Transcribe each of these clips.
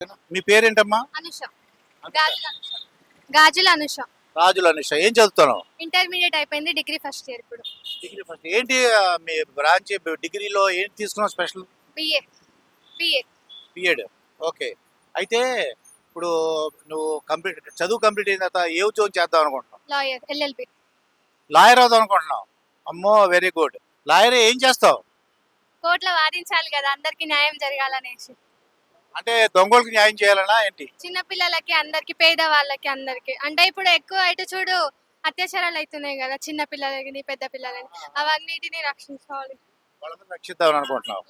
మీ పేరేంటమ్మా? అనుష. గాజుల అనుష. గాజుల అనుష. రాజుల అనుష. ఏం చదువుతున్నావు? ఇంటర్మీడియట్ అయిపోయింది, డిగ్రీ ఫస్ట్ ఇయర్ ఇప్పుడు. Degree first. ఏంటి మీ బ్రాంచ్ డిగ్రీలో ఏంటి తీసుకున్నావు special? BA. BA. BEd. Okay. అయితే ఇప్పుడు నువ్వు చదువు కంప్లీట్ అయిన తర్వాత ఏ ఉద్యోగం చేద్దాం అనుకుంటున్నావు? Lawyer, LLB. లాయర్ అవుదాం అనుకుంటున్నావు? అమ్మో, వెరీ గుడ్. లాయర్ ఏం చేస్తావు? కోర్టులో వాదించాలి కదా, అందరికి న్యాయం జరగాలనేసి. అంటే దొంగలకు న్యాయం చేయాలనా ఏంటి? చిన్న పిల్లలకి అందరికి, పేద వాళ్ళకి అందరికి. అంటే ఇప్పుడు ఎక్కువ ఇటు చూడు అత్యాచారాలు అవుతున్నాయి కదా, చిన్న పిల్లలకి పెద్ద పిల్లలని. అవన్నిటిని రక్షించాలి. వాళ్ళని రక్షిద్దాం అనుకుంటున్నావు.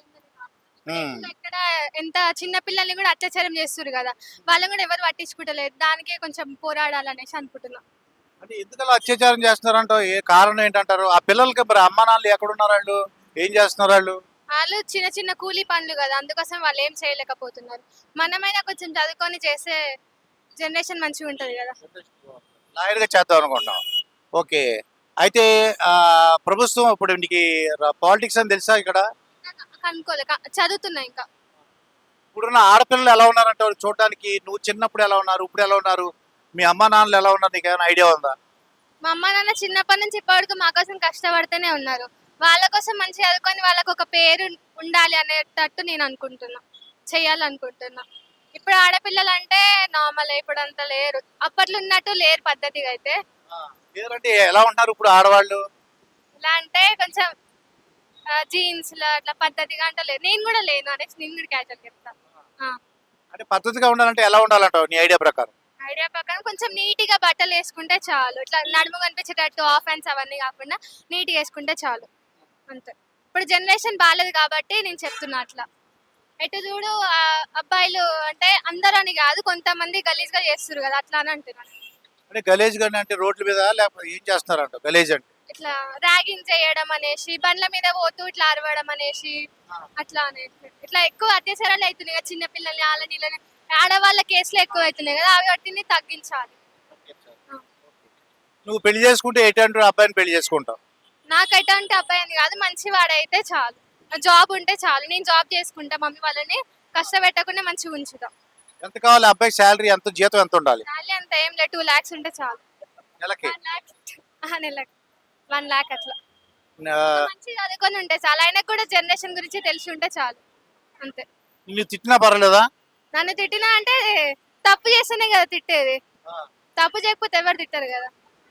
ఇక్కడ ఎంత చిన్న పిల్లల్ని కూడా అత్యాచారం చేస్తున్నారు కదా, వాళ్ళని కూడా ఎవరు పట్టించుకుంటలేదు. దానికే కొంచెం పోరాడాలనేసి అనుకుంటున్నా. అంటే ఎందుకు అలా అత్యాచారం చేస్తున్నారంటో ఏ కారణం ఏంటంటారు? ఆ పిల్లలకి మరి అమ్మ నాన్నలు ఎక్కడున్నారు? వాళ్ళు ఏం చేస్తున్నారు? వాళ్ళు చిన్న చిన్న కూలీ పనులు కదా, అందుకోసం వాళ్ళు ఏం చేయలేకపోతున్నారు. మనమైనా కొంచెం చదువుకొని చేసే జనరేషన్ మంచిగా ఉంటది కదా. లాయర్గా చేద్దాం అనుకుంటున్నాం. ఓకే. అయితే ప్రభుత్వం ఇప్పుడు నీకు పాలిటిక్స్ అని తెలుసా? ఇక్కడ కనుక్కోలే, చదువుతున్నా ఇంకా. ఇప్పుడున్న ఆడపిల్లలు ఎలా ఉన్నారంటే చూడడానికి, నువ్వు చిన్నప్పుడు ఎలా ఉన్నారు, ఇప్పుడు ఎలా ఉన్నారు, మీ అమ్మ నాన్నలు ఎలా ఉన్నారు, నీకు ఏమైనా ఐడియా ఉందా? మా అమ్మ నాన్న చిన్నప్పటి నుంచి ఇప్పటివరకు మా కోసం కష్టపడుతూనే ఉన్నారు. వాళ్ళ కోసం మంచిగా చదువుకొని వాళ్ళకు ఒక పేరు ఉండాలి అనేటట్టు నేను అనుకుంటున్నా, చెయ్యాలనుకుంటున్నా. ఇప్పుడు ఆడపిల్లలు అంటే నార్మల్, ఇప్పుడు అంత లేరు, అప్పట్లో ఉన్నట్టు లేరు పద్ధతిగా. అయితే అంటే ఎలా ఉంటారు ఇప్పుడు ఆడవాళ్ళు? ఇలా అంటే కొంచెం జీన్స్ లో అట్లా పద్ధతిగా అంటే లేదు. నేను కూడా లేను అనేసి నేను కూడా క్యాజువల్ చెప్తా. అంటే పద్ధతిగా ఉండాలంటే ఎలా ఉండాలంటావు నీ ఐడియా ప్రకారం? ఐడియా ప్రకారం కొంచెం నీట్ గా బట్టలు వేసుకుంటే చాలు. ఇట్లా నడుము కనిపించేటట్టు ఆఫ్ హ్యాండ్స్ అవన్నీ కాకుండా నీట్ గా వేసుకుంటే చాలు, అంతే. ఇప్పుడు జనరేషన్ బాగాలేదు కాబట్టి నేను చెప్తున్నా అట్లా. ఎటు చూడు అబ్బాయిలు అంటే అందరూ అని కాదు, కొంతమంది గలీజ్ గా చేస్తారు కదా, అట్లా అని అంటున్నాను. అంటే గలీజ్ గాని అంటే రోడ్ల మీద లేకపోతే ఏం చేస్తున్నారంట గలీజ్ అంటే? ఇట్లా ర్యాగింగ్ చేయడం అనేసి, బండ్ల మీద పోతూ ఇట్లా అరవడం అనేసి, అట్లా అనేసి ఇట్లా ఎక్కువ అత్యాచారాలు అవుతున్నాయి కదా, చిన్న పిల్లల్ని వాళ్ళని వీళ్ళని. ఆడవాళ్ళ కేసులు ఎక్కువ అవుతున్నాయి కదా, అవి వాటిని తగ్గించాలి. నువ్వు పెళ్లి చేసుకుంటే ఎటువంటి అబ్బాయిని పెళ్లి చేసుకుంటావు? నాకు ఎటువంటి అబ్బాయి అని కాదు, మంచి వాడైతే చాలు, జాబ్ ఉంటే చాలు. నేను జాబ్ చేసుకుంటా, మమ్మీ వాళ్ళని కష్టపెట్టకుండా మంచిగా ఉంచుతా. ఎంత కావాలి అబ్బాయి? శాలరీ ఎంత, జీతం ఎంత ఉండాలి? శాలరీ అంత ఏం లేదు, 2 lakhs ఉంటే చాలు. నెలకి? 1 lakh నెలకి 1 lakh అట్లా. మంచిగా చదువుకొని ఉంటే చాలు. ఆయనకు కూడా జనరేషన్ గురించి తెలిసి ఉంటే చాలు, అంతే. నిన్ను తిట్టినా పర్వాలేదా? నన్ను తిట్టినా అంటే తప్పు చేస్తేనే కదా తిట్టేది, తప్పు చేయకపోతే ఎవరు తిట్టారు కదా.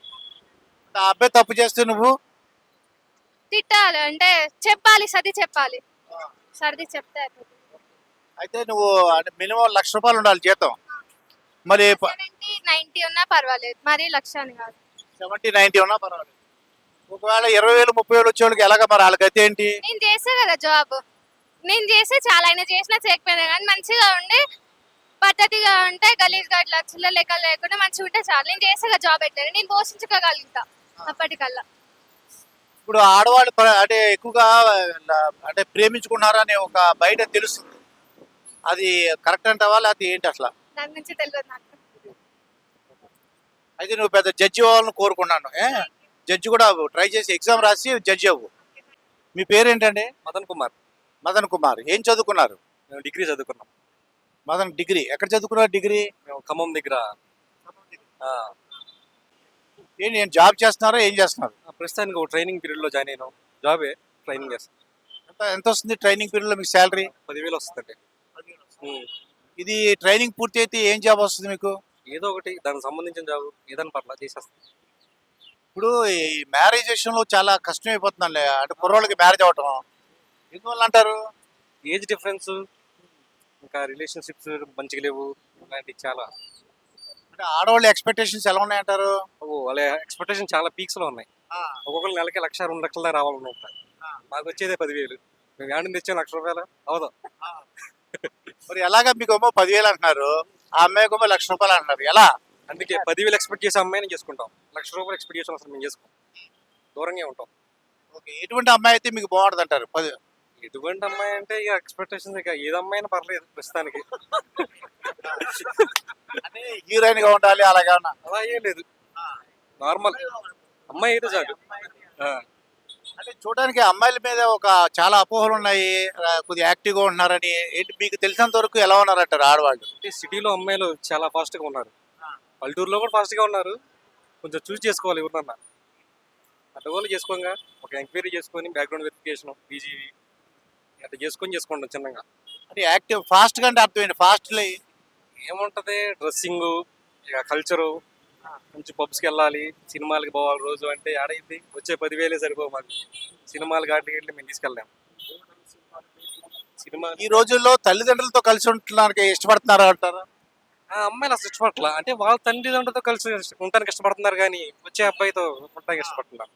ఆ అబ్బాయి తప్పు చేస్తే నువ్వు తిట్టాలి అంటే చెప్పాలి, సర్ది చెప్పాలి, సర్ది చెప్తే అయిపోతుంది. అయితే నువ్వు అంటే మినిమం ₹1,00,000 ఉండాలి జీతం. మరి 70-90 ఉన్నా పర్వాలేదు, మరీ 1,00,000 అని కాదు. 70-90 ఉన్నా పర్వాలేదు. ఒకవేళ 20,000 30,000 వచ్చేవాళ్ళకి ఎలాగ మరి? వాళ్ళకి అయితే ఏంటి? నేను చేసే కదా జాబ్, నేను చేస్తే చాలా. ఆయన చేసినా చేయకపోయినా కానీ మంచిగా ఉండి పద్ధతిగా ఉంటే, గలీజ్గా ఇట్లా చిల్ల లెక్క లేకుండా మంచిగా ఉంటే చాలు. నేను చేసే కదా జాబ్ అయితే నేను పోషించుకోగలుగుతా అప్పటికల్లా. ఇప్పుడు ఆడవాళ్ళు అంటే ఎక్కువగా అంటే ప్రేమించుకున్నారని ఒక బయట తెలుస్తుంది, అది కరెక్ట్ అంటావా లేకపోతే ఏంటి అసలు? దాని నుంచి తెలియదు నాకు. అయితే నువ్వు పెద్ద జడ్జి అవ్వాలని కోరుకున్నాను. జడ్జి కూడా అవ్వు, ట్రై చేసి ఎగ్జామ్ రాసి జడ్జి అవ్వు. మీ పేరేంటండి? మదన్ కుమార్. మదన్ కుమార్. ఏం చదువుకున్నారు? మేము డిగ్రీ చదువుకున్నాం. మదన్ డిగ్రీ ఎక్కడ చదువుకున్నారు? డిగ్రీ మేము ఖమ్మం దగ్గర. ఏంటి, నేను జాబ్ చేస్తున్నారా ఏం చేస్తున్నారు? ప్రస్తుతానికి ఒక ట్రైనింగ్ పీరియడ్లో జాయిన్ అయినాం. జాబే ట్రైనింగ్ చేస్తాం. ఎంత వస్తుంది ట్రైనింగ్ పీరియడ్లో మీకు శాలరీ? 10,000 వస్తుందండి. ఇది ట్రైనింగ్ పూర్తి అయితే ఏం జాబ్ వస్తుంది మీకు? ఏదో ఒకటి దానికి సంబంధించిన జాబ్ ఏదైనా పర్లా చేసేస్తాం. ఇప్పుడు ఈ మ్యారేజ్ విషయంలో చాలా కష్టం అయిపోతుందండి, అంటే కుర్రోళ్ళకి మ్యారేజ్ అవ్వటం. ఎందువల్ల అంటారు? ఏజ్ డిఫరెన్స్, ఇంకా రిలేషన్షిప్స్ మంచిగా లేవు, ఇలాంటివి చాలా. అంటే ఆడవాళ్ళ ఎక్స్పెక్టేషన్స్ ఎలా ఉన్నాయంటారు? వాళ్ళ ఎక్స్పెక్టేషన్ చాలా పీక్స్లో ఉన్నాయి. ఒక్కొక్కరు నెలకి 1,00,000-2 లక్షల రావాలనుకుంటారు. మాకు వచ్చేదే 10,000. మేము ఏడు తెచ్చాం ₹1,00,000 అవదా? మరి ఎలాగా? మీకు ఏమో 10,000 అంటున్నారు, ఆ అమ్మాయికి ఏమో ₹1,00,000 అంటున్నారు, ఎలా? అందుకే 10,000 ఎక్స్పెక్ట్ చేసే అమ్మాయిని చేసుకుంటాం. ₹1,00,000 ఎక్స్పెక్ట్ చేసాం అసలు మేము చేసుకోం, దూరంగా ఉంటాం. ఓకే. ఎటువంటి అమ్మాయి అయితే మీకు బాగుంటుంది అంటారు? ఎటువంటి అమ్మాయి అంటే ఇక ఎక్స్పెక్టేషన్స్, ఇక ఏది అమ్మాయినా పర్లేదు ప్రస్తుతానికి. అంటే హీరోయిన్ గా ఉండాలి అలాగే? అలా ఏం లేదు, నార్మల్ అమ్మాయి అయితే చాలు. అంటే చూడడానికి అమ్మాయిల మీద ఒక చాలా అపోహలు ఉన్నాయి, కొద్దిగా యాక్టివ్గా ఉంటున్నారని. ఏంటి మీకు తెలిసినంత వరకు ఎలా ఉన్నారంటారు ఆడవాళ్ళు? అంటే సిటీలో అమ్మాయిలు చాలా ఫాస్ట్గా ఉన్నారు, పల్లెటూరులో కూడా ఫాస్ట్గా ఉన్నారు. కొంచెం చూస్ చేసుకోవాలి ఎవరినన్నా, అట్లా వాళ్ళు చేసుకోగా ఒక ఎంక్వైరీ చేసుకొని బ్యాక్గ్రౌండ్ వెరిఫికేషన్ పీజీవి అట్లా చేసుకోండి చిన్నగా. అంటే యాక్టివ్ ఫాస్ట్గా అంటే అర్థమైంది ఫాస్ట్లీ. ఏముంటది డ్రెస్సింగ్, ఇక కల్చరు, మంచి పబ్స్కి వెళ్ళాలి, సినిమాలకి పోవాలి రోజు అంటే ఆడైంది వచ్చే 10,000 సరిపో మాకు. సినిమాలు గాటికి వెళ్ళి మేము తీసుకెళ్ళాం. సినిమా ఈ రోజుల్లో తల్లిదండ్రులతో కలిసి ఉండడానికి ఇష్టపడుతున్నారు అంటారా? అమ్మాయిలు అసలు ఇష్టపడట్లా, అంటే వాళ్ళ తల్లిదండ్రులతో కలిసి ఉండటానికి ఇష్టపడుతున్నారు కానీ వచ్చే అబ్బాయితో ఉండటానికి ఇష్టపడుతున్నారు.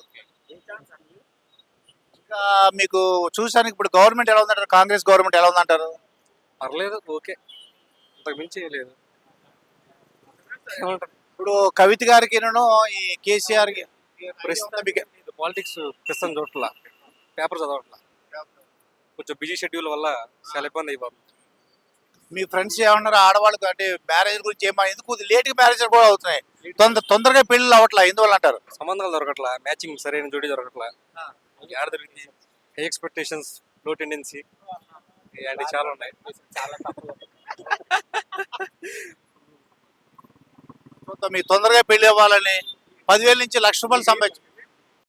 ఇంకా మీకు చూసానికి ఇప్పుడు గవర్నమెంట్ ఎలా ఉందంటారు? కాంగ్రెస్ గవర్నమెంట్ ఎలా ఉందంటారు? పర్లేదు, ఓకే, అంతకు మించి ఏం లేదు. ఏమంటారు ఇప్పుడు కవిత గారికి ఈ కేసీఆర్ ప్రస్తుతం పాలిటిక్స్ ప్రస్తుతం చూడట్లా, పేపర్ చదవట్లా, కొంచెం బిజీ షెడ్యూల్ వల్ల చాలా ఇబ్బంది అయిపోతుంది. మీ ఫ్రెండ్స్ ఏమన్నారు ఆడవాళ్ళకు? అంటే మ్యారేజ్ గురించి ఏమన్నా, ఎందుకు లేట్గా మ్యారేజ్ కూడా అవుతున్నాయి, తొందరగా పెళ్ళిళ్ళు అవ్వట్లా, ఎందువల్ల అంటారు? సంబంధాలు దొరకట్లా, మ్యాచింగ్ సరైన జోడి దొరకట్లా, ఆడ దొరికింది, హై ఎక్స్పెక్టేషన్స్, లో టెండెన్సీ ఇలాంటివి చాలా ఉన్నాయి. మీకు తొందరగా పెళ్లి అవ్వాలని 10,000 నుంచి 1,00,000 రూపాయలు సంపాదించు.